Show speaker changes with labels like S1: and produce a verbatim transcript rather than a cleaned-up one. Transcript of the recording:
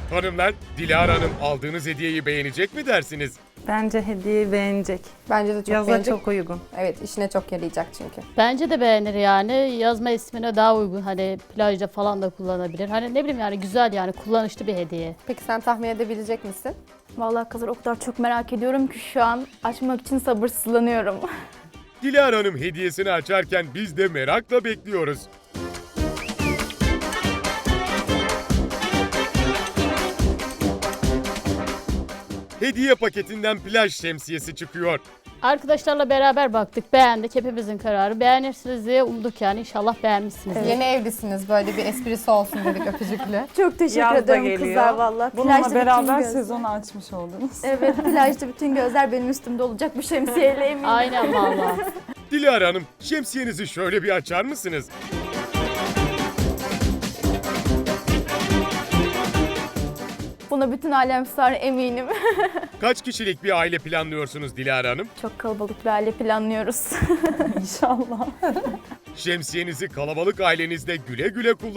S1: Hanımlar, Dilara Hanım aldığınız hediyeyi beğenecek mi dersiniz?
S2: Bence hediyeyi beğenecek.
S3: Bence de çok
S2: Yaza
S3: beğenecek.
S2: çok uygun.
S3: Evet, işine çok yarayacak çünkü.
S4: Bence de beğenir yani. Yazma ismine daha uygun. Hani plajda falan da kullanabilir. Hani ne bileyim yani güzel yani kullanışlı bir hediye.
S3: Peki sen tahmin edebilecek misin?
S5: Vallahi kızlar o kadar çok merak ediyorum ki şu an açmak için sabırsızlanıyorum.
S1: Dilara Hanım hediyesini açarken biz de merakla bekliyoruz. Hediye paketinden plaj şemsiyesi çıkıyor.
S4: Arkadaşlarla beraber baktık, beğendik. Hepimizin kararı. Beğenirsiniz diye umduk yani. İnşallah beğenmişsiniz.
S3: Yeni evlisiniz, böyle bir esprisi olsun dedik öpücüklü.
S5: Çok teşekkür
S6: Yaz da
S5: ederim
S6: geliyor.
S5: kızlar valla.
S6: Bununla
S5: Plajda
S6: beraber
S5: bütün göz-
S6: sezonu açmış oldunuz.
S5: Evet, plajda bütün gözler benim üstümde olacak bu şemsiyeyle eminim.
S4: Aynen valla.
S1: Dilara Hanım, şemsiyenizi şöyle bir açar mısınız?
S5: Buna bütün alem sar eminim.
S1: Kaç kişilik bir aile planlıyorsunuz Dilara Hanım?
S5: Çok kalabalık bir aile planlıyoruz.
S6: İnşallah.
S1: Şemsiyenizi kalabalık ailenizde güle güle kullanın.